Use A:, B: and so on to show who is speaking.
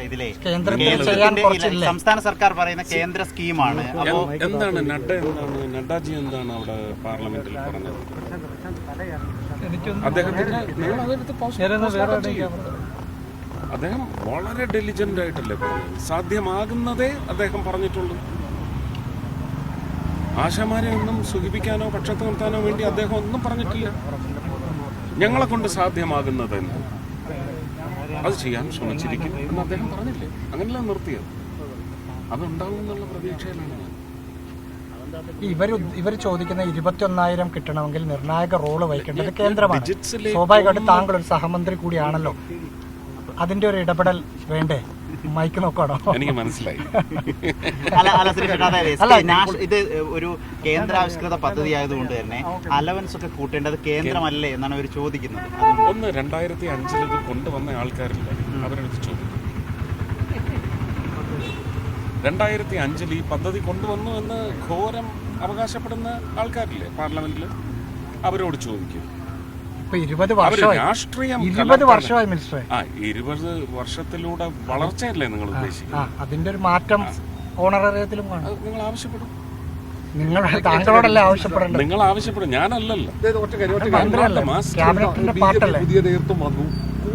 A: ഇതിലെ
B: സംസ്ഥാന സർക്കാർ പറയുന്ന കേന്ദ്ര സ്കീമാണ്.
C: എന്താണ് നഡ്ഡാജി എന്താണ് അവിടെ പാർലമെന്റിൽ പറഞ്ഞത്? അദ്ദേഹം വളരെ ഡെലിജന്റ് ആയിട്ടല്ലേ പറഞ്ഞത്. സാധ്യമാകുന്നതേ അദ്ദേഹം പറഞ്ഞിട്ടുള്ളൂ. ആശാമാരെ ഒന്നും സുഖിപ്പിക്കാനോ പക്ഷത്ത് നിർത്താനോ വേണ്ടി അദ്ദേഹം ഒന്നും പറഞ്ഞിട്ടില്ല. ഞങ്ങളെ കൊണ്ട് സാധ്യമാകുന്നതെന്ന് അത് ചെയ്യാൻ ശ്രമിച്ചിരിക്കും എന്ന് അദ്ദേഹം പറഞ്ഞില്ലേ? അങ്ങനെയല്ല നിർത്തിയത്. അതുണ്ടാവും എന്നുള്ള പ്രതീക്ഷയിലാണ് ഞാൻ.
D: ഇവർ ചോദിക്കുന്ന 21,000 കിട്ടണമെങ്കിൽ നിർണായക റോള് വഹിക്കേണ്ടത് കേന്ദ്രമാണ്. സ്വാഭാവികമായിട്ട് താങ്കൾ ഒരു സഹമന്ത്രി കൂടിയാണല്ലോ. അതിന്റെ ഒരു ഇടപെടൽ വേണ്ടേ? മൈക്ക് നോക്കാണോ?
C: എനിക്ക് മനസ്സിലായി.
B: ഇത് ഒരു കേന്ദ്രാവിഷ്കൃത പദ്ധതി ആയതുകൊണ്ട് തന്നെ അലവൻസ് ഒക്കെ കൂട്ടേണ്ടത് കേന്ദ്രമല്ലേ എന്നാണ് അവർ ചോദിക്കുന്നത്.
C: 2005 ഇത് കൊണ്ടുവന്ന ആൾക്കാരില്ല, അവരെടുത്ത് ചോദിക്കും. 2005 ഈ പദ്ധതി കൊണ്ടുവന്നു എന്ന് ഘോരം അവകാശപ്പെടുന്ന ആൾക്കാരില്ലേ പാർലമെന്റിൽ, അവരോട് ചോദിക്കും.
D: 20 വർഷമായി മിനിസ്റ്ററെ.
C: 20 വർഷത്തിലൂടെ വളർച്ചയല്ലേ നിങ്ങൾ ഉദ്ദേശിക്കുന്നത്?
D: അതിന്റെ ഒരു മാറ്റം ഓണറേറിയത്തിലും
C: നിങ്ങൾ ആവശ്യപ്പെടും.
D: താങ്കളോടല്ലേ ആവശ്യപ്പെടേണ്ടത്?
C: നിങ്ങൾ ആവശ്യപ്പെടും, ഞാനല്ലല്ലോ.
D: പുതിയ നേതൃത്വം വന്നു.